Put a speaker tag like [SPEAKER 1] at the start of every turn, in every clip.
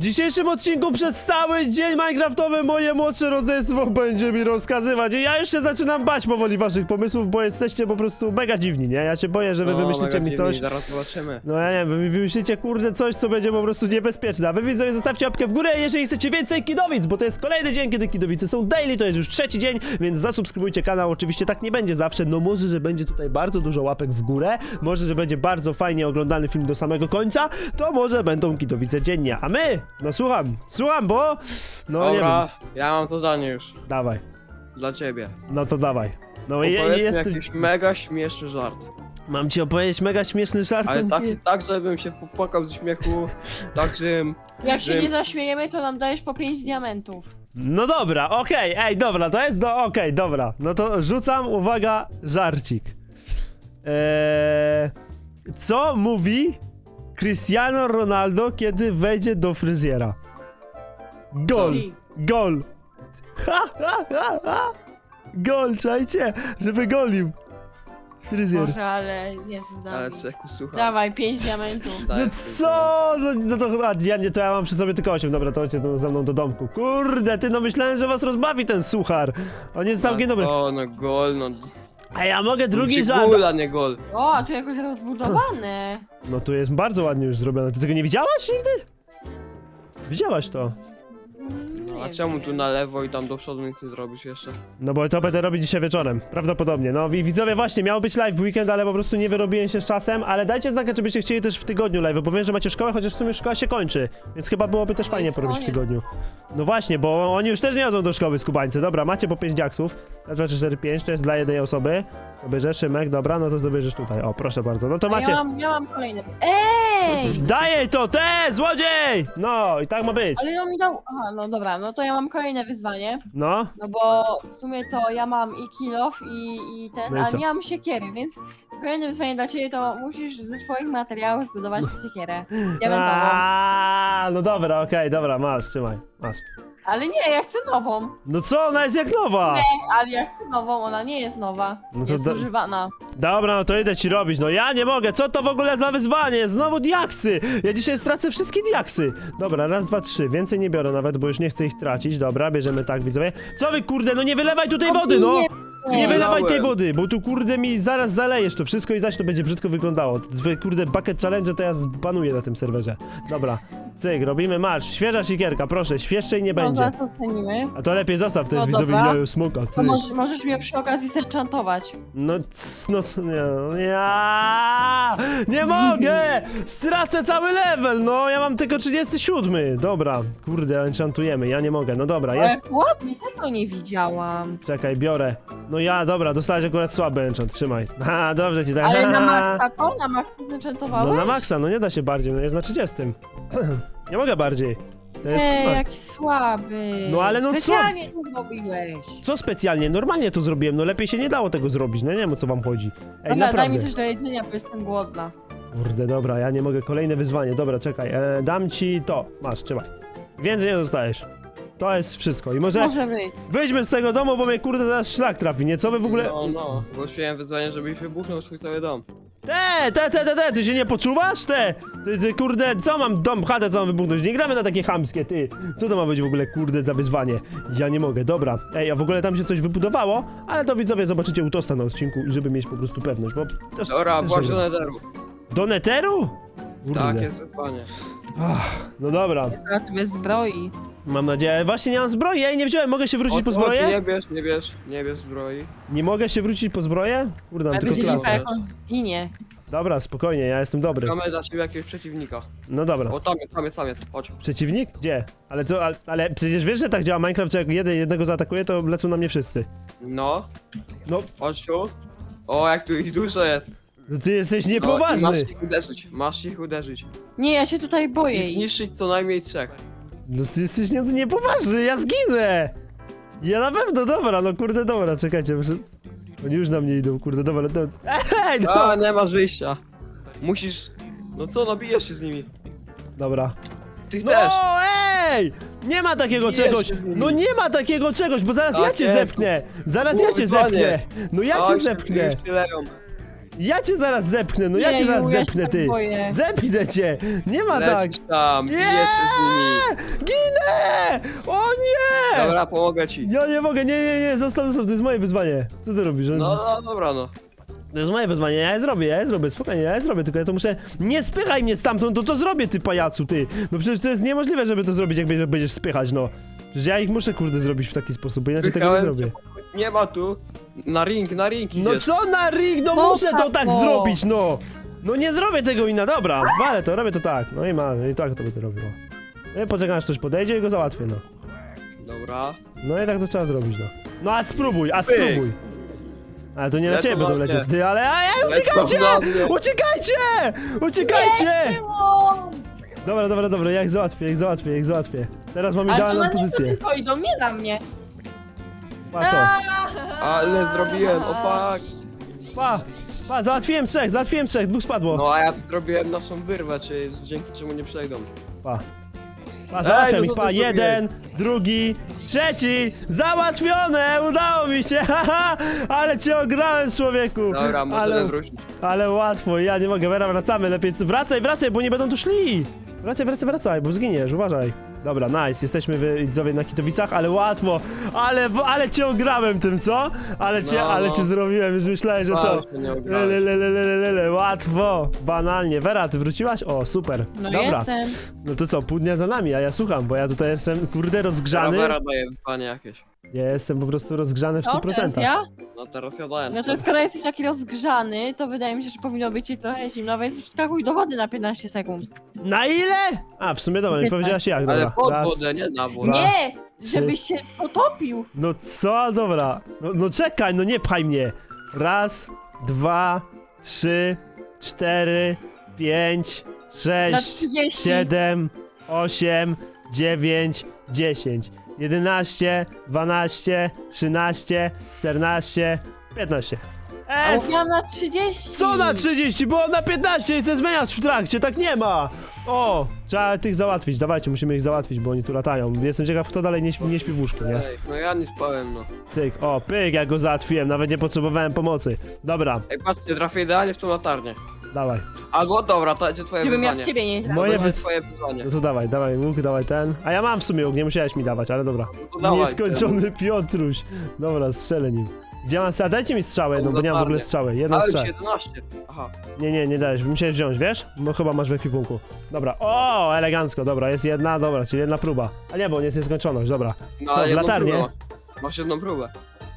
[SPEAKER 1] dzisiejszym odcinku przez cały dzień Minecraftowy moje młodsze rodzeństwo będzie mi rozkazywać. I ja już się zaczynam bać powoli waszych pomysłów, bo jesteście po prostu mega dziwni, nie? Ja się boję, że wy wymyślicie mi coś.
[SPEAKER 2] Zaraz zobaczymy.
[SPEAKER 1] No ja nie wiem, wy wymyślicie kurde coś, co będzie po prostu niebezpieczne. A wy widzowie zostawcie łapkę w górę, jeżeli chcecie więcej Kidowic, bo to jest kolejny dzień, kiedy Kidowice są daily, to jest już trzeci dzień, więc zasubskrybujcie kanał. Oczywiście tak nie będzie zawsze, no może, że będzie tutaj bardzo dużo łapek w górę, może, że będzie bardzo fajnie oglądany film do samego końca, to może będą Kidowice dziennie. A my, no słucham, bo no
[SPEAKER 2] Dobra,
[SPEAKER 1] nie wiem.
[SPEAKER 2] ja mam zadanie już.
[SPEAKER 1] Dawaj,
[SPEAKER 2] Dla ciebie.
[SPEAKER 1] no to dawaj. No
[SPEAKER 2] Opowiedz mi
[SPEAKER 1] jestem...
[SPEAKER 2] jakiś mega śmieszny żart.
[SPEAKER 1] Mam ci opowiedzieć mega śmieszny żart.
[SPEAKER 2] Ale tak, żebym się popłakał ze śmiechu, tak, żebym...
[SPEAKER 3] Jak się nie zaśmiejemy, to nam dajesz po 5 diamentów.
[SPEAKER 1] No dobra, okej, ej, dobra, to jest okej, dobra. No to rzucam, uwaga, żarcik. Co mówi Cristiano Ronaldo, kiedy wejdzie do fryzjera? Gol,
[SPEAKER 3] Czyli-
[SPEAKER 1] gol. Gol, czajcie, żeby golił. Fryzjer.
[SPEAKER 3] Może, ale nie znam.
[SPEAKER 2] Ale Ceku, słuchaj.
[SPEAKER 3] Dawaj, 5 diamentów.
[SPEAKER 1] No co? No to ja mam przy sobie tylko 8, dobra, to chodźcie tu ze mną do domku. Kurde, ty, no myślałem, że was rozbawi ten suchar. On jest całkiem dobry.
[SPEAKER 2] O, no gol, no...
[SPEAKER 1] A ja mogę drugi żart.
[SPEAKER 2] Gol, a nie gol.
[SPEAKER 3] O, a tu jakoś rozbudowane.
[SPEAKER 1] No tu jest bardzo ładnie już zrobione. Ty tego nie widziałaś nigdy? Widziałaś to?
[SPEAKER 2] No, a
[SPEAKER 3] Nie
[SPEAKER 2] czemu
[SPEAKER 3] wiem.
[SPEAKER 2] tu na lewo i tam do przodu nic nie zrobisz jeszcze?
[SPEAKER 1] No bo to będę robić dzisiaj wieczorem. Prawdopodobnie. No i widzowie, właśnie, miał być live w weekend, ale po prostu nie wyrobiłem się z czasem. Ale dajcie znaka, czy byście chcieli też w tygodniu live, bo wiem, że macie szkołę, chociaż w sumie szkoła się kończy. Więc chyba byłoby też
[SPEAKER 3] No
[SPEAKER 1] fajnie
[SPEAKER 3] jest
[SPEAKER 1] porobić w
[SPEAKER 3] koniec.
[SPEAKER 1] tygodniu. No właśnie, bo oni już też nie chodzą do szkoły, skubańcy. Dobra, macie po 5 diaksów. Raz, 2, 3, 4, 5, to jest dla jednej osoby. To bierzesz, Szymek, dobra, no to dobierzesz tutaj. O, proszę bardzo. No to
[SPEAKER 3] A
[SPEAKER 1] macie.
[SPEAKER 3] ja mam kolejne. Ej!
[SPEAKER 1] Daj to, złodziej! No i tak ma być.
[SPEAKER 3] Ale on mi dał... Aha, no dobra, no to ja mam kolejne wyzwanie.
[SPEAKER 1] No.
[SPEAKER 3] No bo w sumie to ja mam i kill off i ten,
[SPEAKER 1] No i
[SPEAKER 3] a
[SPEAKER 1] co?
[SPEAKER 3] nie mam siekiery, więc kolejne wyzwanie dla ciebie to musisz ze swoich materiałów zbudować siekierę. Diamentową.
[SPEAKER 1] No dobra, okej, dobra, masz, trzymaj, masz.
[SPEAKER 3] Ale nie, ja chcę nową.
[SPEAKER 1] No co, ona jest jak nowa!
[SPEAKER 3] Nie, ale ja chcę nową, ona nie jest nowa.
[SPEAKER 1] No to
[SPEAKER 3] jest używana.
[SPEAKER 1] Dobra, no to idę ci robić, no ja nie mogę, co to w ogóle za wyzwanie? Znowu diaksy! Ja dzisiaj stracę wszystkie diaksy! Dobra, raz, dwa, trzy, więcej nie biorę nawet, bo już nie chcę ich tracić, dobra, bierzemy tak, widzowie. Co wy, kurde, no nie wylewaj tutaj wody, no! Nie wylewaj tej wody, bo tu kurde mi zaraz zalejesz to wszystko i zaś to będzie brzydko wyglądało. Twoje kurde bucket challenge to ja zbanuję na tym serwerze. Dobra, cyk, robimy marsz, świeża sikierka, proszę, świeższej nie
[SPEAKER 3] No
[SPEAKER 1] będzie.
[SPEAKER 3] zaraz ocenimy.
[SPEAKER 1] A to lepiej zostaw, to
[SPEAKER 3] No
[SPEAKER 1] jest widzowie
[SPEAKER 3] dobra.
[SPEAKER 1] jajo smoka,
[SPEAKER 3] To
[SPEAKER 1] cyk.
[SPEAKER 3] możesz mnie przy okazji senchantować.
[SPEAKER 1] No, nie mogę! Stracę cały level, no, ja mam tylko 37. Dobra, kurde, enchantujemy, ja nie mogę, no dobra, jest.
[SPEAKER 3] Ale ładnie, tego nie widziałam.
[SPEAKER 1] Czekaj, biorę. No ja, dobra, dostałeś akurat słaby enchant, trzymaj. Ha, dobrze ci tak.
[SPEAKER 3] Ale na maksa to? Na maksa zenchantowałeś?
[SPEAKER 1] No na maksa, no nie da się bardziej, no jest na 30. Nie mogę bardziej. To jest...
[SPEAKER 3] Ej, jaki słaby.
[SPEAKER 1] No ale no co?
[SPEAKER 3] Specjalnie to zrobiłeś.
[SPEAKER 1] Co specjalnie? Normalnie to zrobiłem, no lepiej się nie dało tego zrobić, no nie wiem o co wam chodzi. Ej,
[SPEAKER 3] Dobra, daj
[SPEAKER 1] naprawdę.
[SPEAKER 3] mi coś do jedzenia, bo jestem głodna.
[SPEAKER 1] Kurde, dobra, ja nie mogę, kolejne wyzwanie, dobra, czekaj, dam ci to, masz, trzymaj. Więcej nie dostajesz. To jest wszystko i może
[SPEAKER 3] Może być.
[SPEAKER 1] wyjdźmy z tego domu, bo mnie kurde zaraz szlak trafi, nie? Co wy w ogóle...
[SPEAKER 2] No, głosiłem wyzwanie, żebyś wybuchnął swój cały dom.
[SPEAKER 1] Ty się nie poczuwasz? Ty kurde, co mam dom, chatę, co mam wybuchnąć? Nie gramy na takie chamskie, ty. Co to ma być w ogóle, kurde, za wyzwanie? Ja nie mogę, dobra. Ej, a w ogóle tam się coś wybudowało, ale to widzowie zobaczycie u Tosta na odcinku, żeby mieć po prostu pewność, bo... Też,
[SPEAKER 2] Dobra,
[SPEAKER 1] też
[SPEAKER 2] właśnie
[SPEAKER 1] żeby-
[SPEAKER 2] do netheru.
[SPEAKER 1] Do neteru? Kurde.
[SPEAKER 2] Tak, jest wyzwanie.
[SPEAKER 1] No dobra,
[SPEAKER 3] Ja sobie zbroi.
[SPEAKER 1] mam nadzieję. Właśnie nie mam zbroi, ej, nie wziąłem, mogę się wrócić po zbroję?
[SPEAKER 2] Nie bierz zbroi.
[SPEAKER 1] Nie mogę się wrócić po zbroję? Kurde, mam
[SPEAKER 3] Ale
[SPEAKER 1] tylko
[SPEAKER 3] będzie lipa,
[SPEAKER 1] klasę.
[SPEAKER 3] jak on zginie.
[SPEAKER 1] Dobra, spokojnie, ja jestem dobry.
[SPEAKER 2] Mamy dla ciebie jakiegoś przeciwnika.
[SPEAKER 1] No dobra.
[SPEAKER 2] O, tam jest, chodź.
[SPEAKER 1] Przeciwnik? Gdzie? Ale co, ale przecież wiesz, że tak działa Minecraft, że jak jednego zaatakuje, to lecą na mnie wszyscy.
[SPEAKER 2] No,
[SPEAKER 1] No,
[SPEAKER 2] chodź tu. O, jak tu ich dużo jest.
[SPEAKER 1] no ty jesteś
[SPEAKER 2] No, i
[SPEAKER 1] niepoważny.
[SPEAKER 2] masz ich uderzyć.
[SPEAKER 3] Nie, ja się tutaj boję.
[SPEAKER 2] I zniszczyć co najmniej 3.
[SPEAKER 1] No ty jesteś niepoważny, ja zginę! Ja na pewno, dobra, no kurde, dobra, czekajcie, muszę... Oni już na mnie idą, kurde, dobra, no... Ej, no!
[SPEAKER 2] A, nie masz wyjścia. Musisz... No co, no bijesz się z nimi.
[SPEAKER 1] Dobra.
[SPEAKER 2] Ty
[SPEAKER 1] No,
[SPEAKER 2] też.
[SPEAKER 1] ej! Nie ma takiego
[SPEAKER 2] Bijesz
[SPEAKER 1] czegoś!
[SPEAKER 2] się z nimi.
[SPEAKER 1] No nie ma takiego czegoś, bo zaraz
[SPEAKER 2] Tak
[SPEAKER 1] ja cię
[SPEAKER 2] jest.
[SPEAKER 1] zepchnę! Zaraz ja cię
[SPEAKER 2] Kurwa, nie.
[SPEAKER 1] zepchnę! No ja cię
[SPEAKER 2] Oj,
[SPEAKER 1] zepchnę!
[SPEAKER 2] już się leją.
[SPEAKER 1] Ja cię zaraz zepchnę, no ja
[SPEAKER 3] Nie,
[SPEAKER 1] cię zaraz
[SPEAKER 3] Ju, ja się
[SPEAKER 1] zepchnę,
[SPEAKER 3] tak
[SPEAKER 1] ty!
[SPEAKER 3] boję.
[SPEAKER 1] Zepchnę cię! Nie ma tak!
[SPEAKER 2] Lecisz tam,
[SPEAKER 1] Nie!
[SPEAKER 2] bijesz się z nimi. Dobra, pomogę ci.
[SPEAKER 1] Ja nie mogę, nie, zostaw, to jest moje wyzwanie. Co ty robisz?
[SPEAKER 2] No, dobra, no.
[SPEAKER 1] To jest moje wyzwanie, ja je zrobię, spokojnie, ja je zrobię, tylko ja to muszę... Nie spychaj mnie stamtąd, to zrobię, ty pajacu, ty! No przecież to jest niemożliwe, żeby to zrobić, jak będziesz spychać, no. Przecież ja ich muszę, kurde, zrobić w taki sposób, bo inaczej tego nie
[SPEAKER 2] Spychałem
[SPEAKER 1] zrobię.
[SPEAKER 2] Nie ma tu. Na ring
[SPEAKER 1] No
[SPEAKER 2] idziesz.
[SPEAKER 1] co na rig, no
[SPEAKER 3] No
[SPEAKER 1] muszę to
[SPEAKER 3] tak,
[SPEAKER 1] tak
[SPEAKER 3] no.
[SPEAKER 1] zrobić, no! No nie zrobię tego inna, dobra, ale to robię to tak, no i tak to będę robił. No i poczekam, aż ktoś podejdzie i go załatwię, no.
[SPEAKER 2] Dobra.
[SPEAKER 1] No i tak to trzeba zrobić, no. No a spróbuj, Ale to nie na
[SPEAKER 2] Lecą
[SPEAKER 1] ciebie
[SPEAKER 2] na
[SPEAKER 1] będą
[SPEAKER 2] mnie.
[SPEAKER 1] lecieć, ty, ale
[SPEAKER 2] Lecą
[SPEAKER 1] uciekajcie!
[SPEAKER 2] na mnie.
[SPEAKER 1] Uciekajcie!
[SPEAKER 3] Było!
[SPEAKER 1] Dobra, ja ich załatwię. Teraz mam idealną
[SPEAKER 3] Ale to
[SPEAKER 1] pozycję.
[SPEAKER 3] tylko idą, nie na mnie.
[SPEAKER 1] Pa to.
[SPEAKER 2] Ale zrobiłem, o fuck.
[SPEAKER 1] Pa, załatwiłem trzech, dwóch spadło.
[SPEAKER 2] No a ja to zrobiłem naszą wyrwę, czy dzięki czemu nie przejdą.
[SPEAKER 1] Pa, załatwiam
[SPEAKER 2] no
[SPEAKER 1] ich,
[SPEAKER 2] to
[SPEAKER 1] pa,
[SPEAKER 2] zrobiłeś.
[SPEAKER 1] jeden, drugi, trzeci, załatwione, udało mi się, haha, ale cię ograłem, człowieku.
[SPEAKER 2] Dobra, możemy wrócić.
[SPEAKER 1] Ale łatwo, ja nie mogę, Vera, wracamy, lepiej, wracaj, bo nie będą tu szli. Wracaj, bo zginiesz, uważaj. Dobra, nice, jesteśmy widzowie na Kitowicach, ale łatwo, ale cię ograłem tym, co? Ale cię zrobiłem, już myślałem, że co?
[SPEAKER 2] Patrz, nie ograłem.
[SPEAKER 1] Łatwo, banalnie. Vera, ty wróciłaś? O, super.
[SPEAKER 3] No
[SPEAKER 1] Dobra,
[SPEAKER 3] jestem.
[SPEAKER 1] no to co, pół dnia za nami, a ja słucham, bo ja tutaj jestem, kurde, rozgrzany.
[SPEAKER 2] Vera daje wyzwanie jakieś.
[SPEAKER 1] Ja jestem po prostu rozgrzany w
[SPEAKER 3] O, teraz
[SPEAKER 1] 100%.
[SPEAKER 3] ja?
[SPEAKER 2] No teraz ja daję.
[SPEAKER 3] No to skoro jesteś taki rozgrzany, to wydaje mi się, że powinno być ci trochę zimno, więc wskakuj do wody na 15 sekund.
[SPEAKER 1] Na ile? A, w sumie dobra, nie powiedziałaś jak, dobra.
[SPEAKER 2] Ale pod
[SPEAKER 1] Raz.
[SPEAKER 2] wodę, nie na wodę.
[SPEAKER 3] Nie!
[SPEAKER 1] trzy.
[SPEAKER 3] Żebyś się potopił!
[SPEAKER 1] No co? Dobra. No czekaj, no nie pchaj mnie. Raz, dwa, trzy, cztery, pięć,
[SPEAKER 3] Na
[SPEAKER 1] sześć,
[SPEAKER 3] 30.
[SPEAKER 1] 7, 8, 9, 10, 11, 12, 13, 14, 15.
[SPEAKER 3] A mówiłam na 30!
[SPEAKER 1] Co na 30? Było na 15 i chcę zmieniać w trakcie, tak nie ma! O, trzeba tych załatwić, dawajcie, musimy ich załatwić, bo oni tu latają. Jestem ciekaw, kto dalej nie śpi w łóżku, nie?
[SPEAKER 2] Ej, no ja nie spałem, no.
[SPEAKER 1] Cyk, o, pyk, ja go załatwiłem, nawet nie potrzebowałem pomocy. Dobra,
[SPEAKER 2] Ej, patrzcie, trafię idealnie w tą latarnię.
[SPEAKER 1] dawaj.
[SPEAKER 2] Albo dobra, to będzie twoje
[SPEAKER 3] Żebym ja
[SPEAKER 2] wyzwanie.
[SPEAKER 3] w ciebie nie
[SPEAKER 2] To
[SPEAKER 1] Moje
[SPEAKER 2] będzie
[SPEAKER 1] wyz-
[SPEAKER 2] twoje wyzwanie.
[SPEAKER 1] No to dawaj łuk, dawaj ten. A ja mam w sumie łuk, nie musiałeś mi dawać, ale dobra.
[SPEAKER 2] No to dawaj,
[SPEAKER 1] Nieskończony Piotruś. Dobra, strzelę nim. Gdzie mam strzał? Dajcie mi strzałę jedną, bo nie mam w ogóle strzały. Jedną
[SPEAKER 2] Ale już
[SPEAKER 1] strzałę.
[SPEAKER 2] 11. Aha.
[SPEAKER 1] Nie dajesz, musiałeś wziąć, wiesz? Bo chyba masz w ekwipunku. Dobra, o, elegancko, dobra, jest jedna, dobra, czyli jedna próba. A nie, bo nie jest nieskończoność, dobra.
[SPEAKER 2] No,
[SPEAKER 1] Co, w
[SPEAKER 2] jedną
[SPEAKER 1] latarnię?
[SPEAKER 2] próbę. Masz jedną próbę.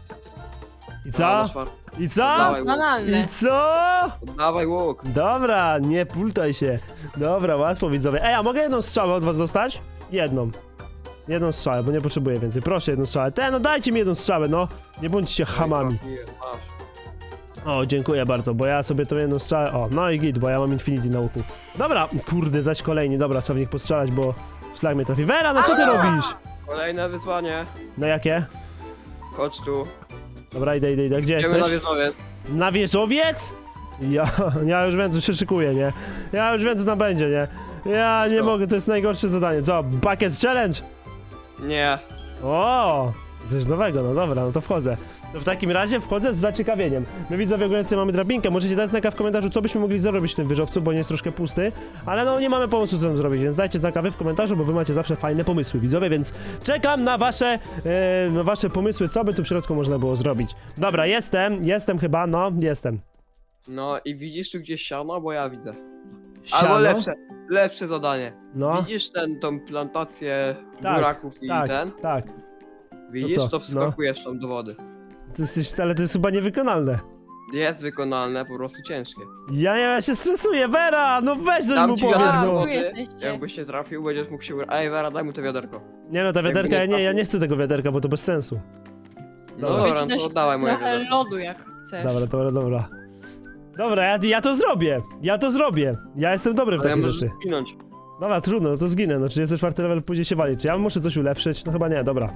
[SPEAKER 1] I
[SPEAKER 2] A,
[SPEAKER 1] co?
[SPEAKER 2] na czwartą.
[SPEAKER 1] I co?
[SPEAKER 2] Dawaj,
[SPEAKER 3] Banalne.
[SPEAKER 1] I co?
[SPEAKER 2] Dawaj łuk.
[SPEAKER 1] Dobra, nie pultaj się. Dobra, łatwo widzowie. Ej, a mogę jedną strzałę od was dostać? Jedną. Jedną strzałę, bo nie potrzebuję więcej. Proszę jedną strzałę. No dajcie mi jedną strzałę, no. Nie bądźcie hamami.
[SPEAKER 2] Masz.
[SPEAKER 1] O, dziękuję bardzo, bo ja sobie tą jedną strzałę... O, no i git, bo ja mam Infinity na łuku. Dobra, kurde, zaś kolejni. Dobra, trzeba w nich postrzelać, bo szlak mnie trafi. Vera, no co ty robisz?
[SPEAKER 2] Kolejne wyzwanie.
[SPEAKER 1] No jakie?
[SPEAKER 2] Chodź tu.
[SPEAKER 1] Dobra, idę. Gdzie
[SPEAKER 2] Idziemy na
[SPEAKER 1] jesteś?
[SPEAKER 2] wieżowiec.
[SPEAKER 1] Na wieżowiec? Ja już wiem, co się szykuje, nie? Ja już wiem, co tam będzie, nie? Ja nie
[SPEAKER 2] Co?
[SPEAKER 1] mogę, to jest najgorsze zadanie. Co? Bucket Challenge?
[SPEAKER 2] Nie.
[SPEAKER 1] O, coś nowego, no dobra, no to wchodzę. To w takim razie wchodzę z zaciekawieniem. My widzowie ogólnie tutaj mamy drabinkę, możecie dać znaka w komentarzu, co byśmy mogli zrobić w tym wieżowcu, bo nie jest troszkę pusty. Ale no nie mamy pomysłu, co tam zrobić, więc dajcie znaka wy w komentarzu, bo wy macie zawsze fajne pomysły, widzowie, więc czekam na wasze pomysły, co by tu w środku można było zrobić. Dobra, jestem chyba, no, jestem.
[SPEAKER 2] No i widzisz tu gdzieś siano, bo ja widzę.
[SPEAKER 1] Siano?
[SPEAKER 2] Albo lepsze zadanie.
[SPEAKER 1] No,
[SPEAKER 2] Widzisz tą plantację
[SPEAKER 1] Tak,
[SPEAKER 2] buraków i ten?
[SPEAKER 1] tak.
[SPEAKER 2] Widzisz,
[SPEAKER 1] co?
[SPEAKER 2] to wskakujesz tam do wody.
[SPEAKER 1] Ale to jest chyba niewykonalne.
[SPEAKER 2] Jest wykonalne, po prostu ciężkie.
[SPEAKER 1] Ja się stresuję, Vera, no weź coś
[SPEAKER 2] Dam
[SPEAKER 1] mu
[SPEAKER 2] ci
[SPEAKER 1] powiedz,
[SPEAKER 2] wiaderko
[SPEAKER 1] no.
[SPEAKER 3] Tu
[SPEAKER 2] wody.
[SPEAKER 3] jesteście.
[SPEAKER 2] Jakbyś nie trafił, będziesz mógł się... Ej, Vera, daj mu to wiaderko.
[SPEAKER 1] Nie no, ta
[SPEAKER 2] Jakby
[SPEAKER 1] wiaderka,
[SPEAKER 2] nie
[SPEAKER 1] ja nie
[SPEAKER 2] trafił.
[SPEAKER 1] chcę tego wiaderka, bo to bez sensu.
[SPEAKER 2] No
[SPEAKER 1] Dobra.
[SPEAKER 2] dobra, no
[SPEAKER 3] Weź
[SPEAKER 2] to
[SPEAKER 3] też
[SPEAKER 2] oddawaj moje
[SPEAKER 3] trochę
[SPEAKER 2] wiaderko.
[SPEAKER 3] lodu jak chcesz.
[SPEAKER 1] Dobra. Dobra, ja to zrobię. Ja jestem dobry w
[SPEAKER 2] Ale
[SPEAKER 1] takie
[SPEAKER 2] możesz
[SPEAKER 1] rzeczy.
[SPEAKER 2] zginąć.
[SPEAKER 1] Dobra, trudno, no to zginę, no 34 level pójdzie się walić. Czy ja muszę coś ulepszyć? No chyba nie, dobra.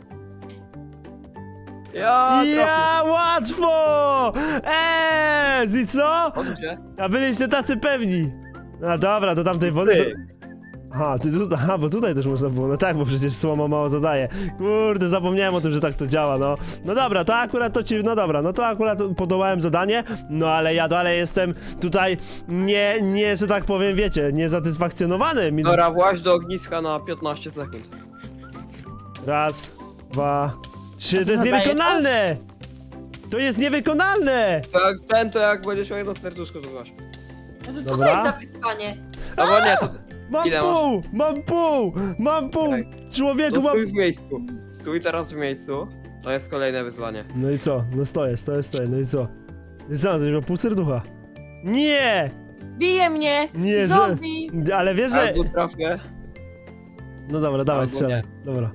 [SPEAKER 2] Ja
[SPEAKER 1] Łatwo! I co?
[SPEAKER 2] trafię. Odwróć się.
[SPEAKER 1] A byliście tacy pewni. No dobra, do tamtej wody...
[SPEAKER 2] Ty.
[SPEAKER 1] Aha, bo tutaj też można było, no tak, bo przecież słoma mało zadaje. Kurde, zapomniałem o tym, że tak to działa, no. No dobra, to akurat to ci, no dobra, no to akurat podołałem zadanie, no ale ja dalej jestem tutaj nie, że tak powiem, wiecie, niezatysfakcjonowany.
[SPEAKER 2] Dobra, właź do ogniska na 15 sekund.
[SPEAKER 1] Raz, 2, 3, to jest
[SPEAKER 3] zadaje
[SPEAKER 1] niewykonalne! To jest niewykonalne!
[SPEAKER 2] To jak będziesz miał jedno serduszko, to masz.
[SPEAKER 3] No to co
[SPEAKER 1] Dobra.
[SPEAKER 3] to jest za wyzwanie?
[SPEAKER 2] Albo nie, to...
[SPEAKER 1] Mam
[SPEAKER 2] Ile
[SPEAKER 1] pół! Mam pół!
[SPEAKER 2] Czekaj.
[SPEAKER 1] Człowieku,
[SPEAKER 2] No
[SPEAKER 1] mam...
[SPEAKER 2] stój w miejscu. Stój teraz w miejscu. To jest kolejne wyzwanie.
[SPEAKER 1] No i co? No stoję, no i co? I co, to ma pół serducha. Nie!
[SPEAKER 3] Bije mnie!
[SPEAKER 1] Nie, że...
[SPEAKER 3] Zombie!
[SPEAKER 1] Ale wiesz, że...
[SPEAKER 2] Albo trafię.
[SPEAKER 1] No dobra, dawaj,
[SPEAKER 2] Albo
[SPEAKER 1] strzelaj. Dobra.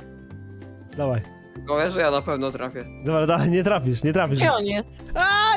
[SPEAKER 1] Dawaj.
[SPEAKER 2] Tylko wiesz, że ja na pewno trafię.
[SPEAKER 1] Dobra, dawaj, nie trafisz.
[SPEAKER 3] Gdzie on jest?
[SPEAKER 1] A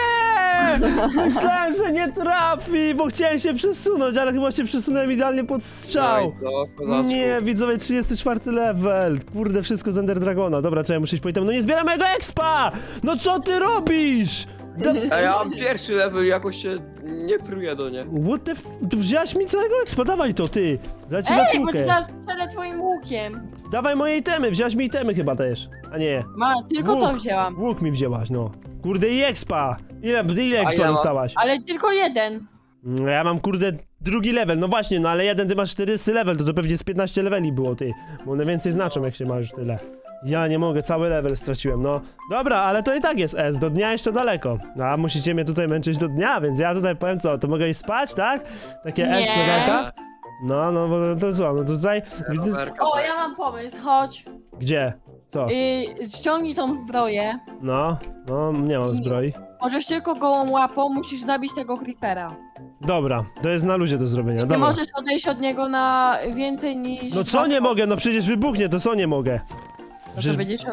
[SPEAKER 1] nie! Myślałem, że nie trafi, bo chciałem się przesunąć, ale chyba się przesunąłem idealnie pod
[SPEAKER 2] No
[SPEAKER 1] strzał.
[SPEAKER 2] i co? W porządku.
[SPEAKER 1] Nie, widzowie, 34 level. Kurde, wszystko z Ender Dragona. Dobra, trzeba muszę iść po item. No nie zbieram mojego expa! No co ty robisz?
[SPEAKER 2] A ja mam pierwszy level i jakoś się nie pruję do nie.
[SPEAKER 1] What the f... Tu wziąłeś mi całego expa, dawaj to, ty. Za ci
[SPEAKER 3] Ej, bo ci
[SPEAKER 1] zatłukę.
[SPEAKER 3] zaraz strzelę twoim łukiem.
[SPEAKER 1] Dawaj moje itemy, wziąłeś mi itemy chyba też. A nie,
[SPEAKER 3] Tylko to
[SPEAKER 1] Łuk.
[SPEAKER 3] wzięłam.
[SPEAKER 1] łuk mi wzięłaś, no. Kurde, i expa. Ile
[SPEAKER 2] A
[SPEAKER 1] expa
[SPEAKER 2] ja mam-
[SPEAKER 1] dostałaś?
[SPEAKER 3] Ale tylko jeden.
[SPEAKER 1] No ja mam kurde drugi level, no właśnie, no ale jeden ty masz 40 level, to pewnie z 15 leveli było ty. Bo one więcej znaczą jak się ma już tyle. Ja nie mogę, cały level straciłem, no. Dobra, ale to i tak jest S, do dnia jeszcze daleko. A musicie mnie tutaj męczyć do dnia, więc ja tutaj powiem co, to mogę iść spać, tak? Takie
[SPEAKER 3] Nie.
[SPEAKER 1] S levelka? No bo to co, no tutaj widzę...
[SPEAKER 2] Rowerka,
[SPEAKER 3] O,
[SPEAKER 2] tak.
[SPEAKER 3] ja mam pomysł, chodź.
[SPEAKER 1] Gdzie? Co?
[SPEAKER 3] Ściągnij tą zbroję.
[SPEAKER 1] No, nie mam zbroi.
[SPEAKER 3] Możesz tylko gołą łapą, musisz zabić tego creepera.
[SPEAKER 1] Dobra, to jest na luzie do zrobienia,
[SPEAKER 3] Nie
[SPEAKER 1] dobra.
[SPEAKER 3] możesz odejść od niego na więcej niż...
[SPEAKER 1] No co nie mogę, no przecież wybuchnie, to co nie mogę?
[SPEAKER 3] No, to
[SPEAKER 1] Przecież...
[SPEAKER 3] będziesz...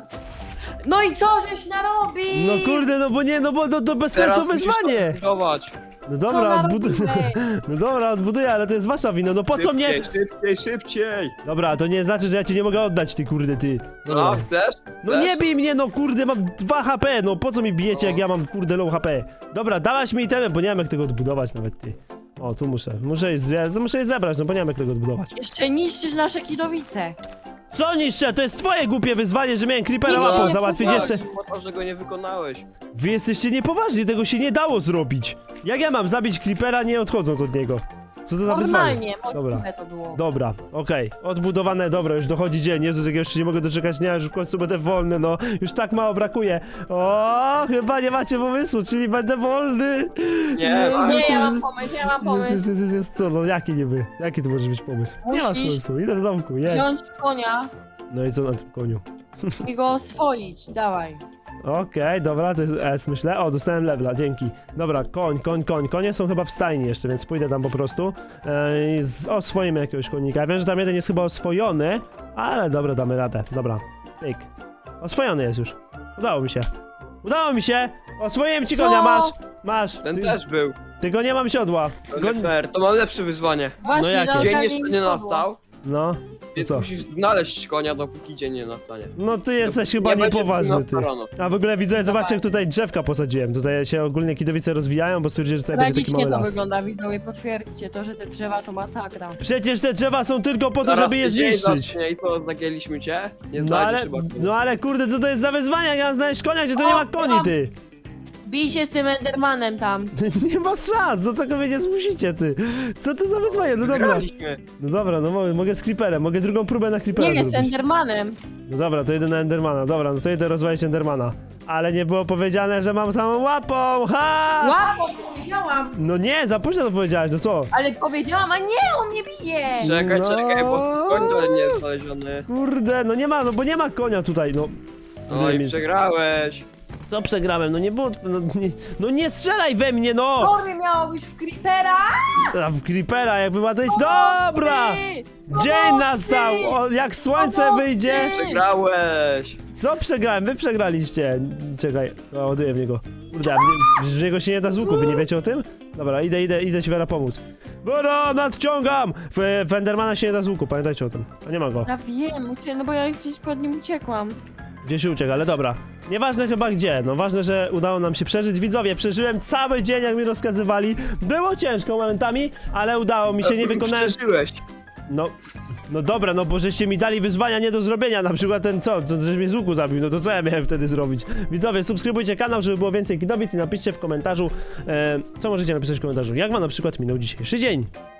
[SPEAKER 3] No i co żeś narobił?
[SPEAKER 1] No kurde, no bo nie, no bo to bez
[SPEAKER 2] Teraz
[SPEAKER 1] sensu
[SPEAKER 2] musisz
[SPEAKER 1] wyzwanie.
[SPEAKER 2] to budować.
[SPEAKER 1] No
[SPEAKER 3] Co
[SPEAKER 1] dobra, odbuduję.
[SPEAKER 3] narobiłeś?
[SPEAKER 1] No dobra, odbuduję, ale to jest wasza wina, no po co mnie...
[SPEAKER 2] Szybciej!
[SPEAKER 1] Dobra, to nie znaczy, że ja cię nie mogę oddać, ty kurde, ty.
[SPEAKER 2] No,
[SPEAKER 1] Dobra.
[SPEAKER 2] chcesz?
[SPEAKER 1] No nie bij mnie, no kurde, mam 2 HP, no po co mi bijecie, jak ja mam kurde low HP? Dobra, dałaś mi itemy, bo nie wiem jak tego odbudować nawet, ty. O, tu muszę je zebrać, no bo nie wiem jak tego odbudować.
[SPEAKER 3] Jeszcze niszczysz nasze kidowice.
[SPEAKER 1] Co niszczę? To jest twoje głupie wyzwanie, że miałem creepera
[SPEAKER 3] Nikt się
[SPEAKER 1] łapą
[SPEAKER 3] nie
[SPEAKER 1] załatwić
[SPEAKER 3] pozwoli.
[SPEAKER 1] jeszcze.
[SPEAKER 2] Po to, że go nie wykonałeś.
[SPEAKER 1] Wy jesteście niepoważni, tego się nie dało zrobić. Jak ja mam zabić creepera nie odchodząc od niego? Co to za wyzwanie?
[SPEAKER 3] Normalnie,
[SPEAKER 1] Dobra.
[SPEAKER 3] możliwe to było.
[SPEAKER 1] Dobra, okej, odbudowane, dobra, już dochodzi dzień, Jezus, jak ja już się nie mogę doczekać dnia, już w końcu będę wolny, no, już tak mało brakuje. O, chyba nie macie pomysłu, czyli będę wolny.
[SPEAKER 2] Nie,
[SPEAKER 1] No,
[SPEAKER 2] mam.
[SPEAKER 3] Nie,
[SPEAKER 1] myślę,
[SPEAKER 3] ja
[SPEAKER 1] że-
[SPEAKER 3] mam pomysł, ja mam pomysł.
[SPEAKER 1] Jest, co, no jaki niby, jaki to może być pomysł? Nie masz
[SPEAKER 3] Musisz
[SPEAKER 1] pomysłu, idę do domku, jest.
[SPEAKER 3] Wziąć konia
[SPEAKER 1] No i co na tym koniu?
[SPEAKER 3] i go oswoić, dawaj.
[SPEAKER 1] Okej, dobra, to jest S, myślę. O, dostałem levela, dzięki. Dobra, koń. Konie są chyba w stajni jeszcze, więc pójdę tam po prostu. Oswoimy jakiegoś konika. Wiem, że tam jeden jest chyba oswojony, ale dobra, damy radę. Dobra, pyk. Oswojony jest już. Udało mi się! Oswoiłem ci
[SPEAKER 3] Co?
[SPEAKER 1] konia, masz.
[SPEAKER 2] Ten też był.
[SPEAKER 1] Tylko nie mam siodła.
[SPEAKER 2] To nie fair, to mam lepsze wyzwanie.
[SPEAKER 3] Właśnie,
[SPEAKER 1] jakie?
[SPEAKER 3] do
[SPEAKER 2] Dzień
[SPEAKER 3] okazji
[SPEAKER 2] jeszcze nie
[SPEAKER 3] nikogo.
[SPEAKER 2] nastał,
[SPEAKER 1] No,
[SPEAKER 2] więc
[SPEAKER 1] co?
[SPEAKER 2] musisz znaleźć konia, dopóki dzień nie nastanie.
[SPEAKER 1] No ty jesteś chyba
[SPEAKER 2] Nie będzie
[SPEAKER 1] niepoważny, ty.
[SPEAKER 2] 13 rano.
[SPEAKER 1] A w ogóle widzę, zobaczcie jak tutaj drzewka posadziłem. Tutaj się ogólnie kidowice rozwijają, bo stwierdzili, że tutaj będzie taki
[SPEAKER 3] Tragicznie
[SPEAKER 1] mały
[SPEAKER 3] to
[SPEAKER 1] las.
[SPEAKER 3] wygląda, widzowie, potwierdźcie to, że te drzewa to masakra.
[SPEAKER 1] Przecież te drzewa są tylko po to,
[SPEAKER 2] Zaraz
[SPEAKER 1] żeby je
[SPEAKER 2] się dzień
[SPEAKER 1] zniszczyć.
[SPEAKER 2] zacznie I co, zagięliśmy cię? Nie
[SPEAKER 1] No
[SPEAKER 2] znajdziesz
[SPEAKER 1] ale,
[SPEAKER 2] chyba konia.
[SPEAKER 1] no ale kurde, co to jest za wyzwanie? Jak ja mam znaleźć konia, gdzie to nie ma koni, ty?
[SPEAKER 3] Bij się z tym Endermanem tam.
[SPEAKER 1] Nie ma szans, do czego mnie nie zmusicie, ty? Co to za wyzwanie? No dobra.
[SPEAKER 2] Wygraliśmy.
[SPEAKER 1] No dobra, no mogę z creeperem, mogę drugą próbę na creepera
[SPEAKER 3] Nie jest
[SPEAKER 1] zrobić.
[SPEAKER 3] Endermanem.
[SPEAKER 1] No dobra, to idę na Endermana, dobra, no to idę rozwalić Endermana. Ale nie było powiedziane, że mam samą łapą, ha!
[SPEAKER 3] Łapą powiedziałam,
[SPEAKER 1] No nie, za późno to powiedziałeś, no co?
[SPEAKER 3] ale powiedziałam, a nie, on mnie bije.
[SPEAKER 2] Czekaj,
[SPEAKER 1] No.
[SPEAKER 2] bo koń dalej nie jest znaleziony.
[SPEAKER 1] Kurde, no nie ma, no bo nie ma konia tutaj, no.
[SPEAKER 2] No i przegrałeś.
[SPEAKER 1] Co przegrałem? No nie było, no nie strzelaj we mnie, no!
[SPEAKER 3] Konie miało być w creepera.
[SPEAKER 1] A w creepera, jakby ma to iść, dobra! Dzień nastał, o, jak słońce wyjdzie.
[SPEAKER 2] Przegrałeś.
[SPEAKER 1] Co przegrałem? Wy przegraliście. Czekaj, ładuję w niego. Kurde, a w niego się nie da z łuku, wy nie wiecie o tym? Dobra, idę ci Wera pomóc. Bora, nadciągam! W Endermana się nie da z łuku, pamiętajcie o tym. A nie ma go.
[SPEAKER 3] Ja wiem, no bo ja gdzieś pod nim uciekłam.
[SPEAKER 1] Gdzie się ucieka, ale dobra. Nieważne chyba gdzie, no ważne, że udało nam się przeżyć. Widzowie, przeżyłem cały dzień, jak mi rozkazywali. Było ciężko momentami, ale udało mi się, nie wykonałem...
[SPEAKER 2] Przeżyłeś.
[SPEAKER 1] No dobra, no bo żeście mi dali wyzwania nie do zrobienia, na przykład ten żeś mnie z łuku zabił, no to co ja miałem wtedy zrobić? Widzowie, subskrybujcie kanał, żeby było więcej kidowic i napiszcie w komentarzu, co możecie napisać w komentarzu, jak wam na przykład minął dzisiejszy dzień.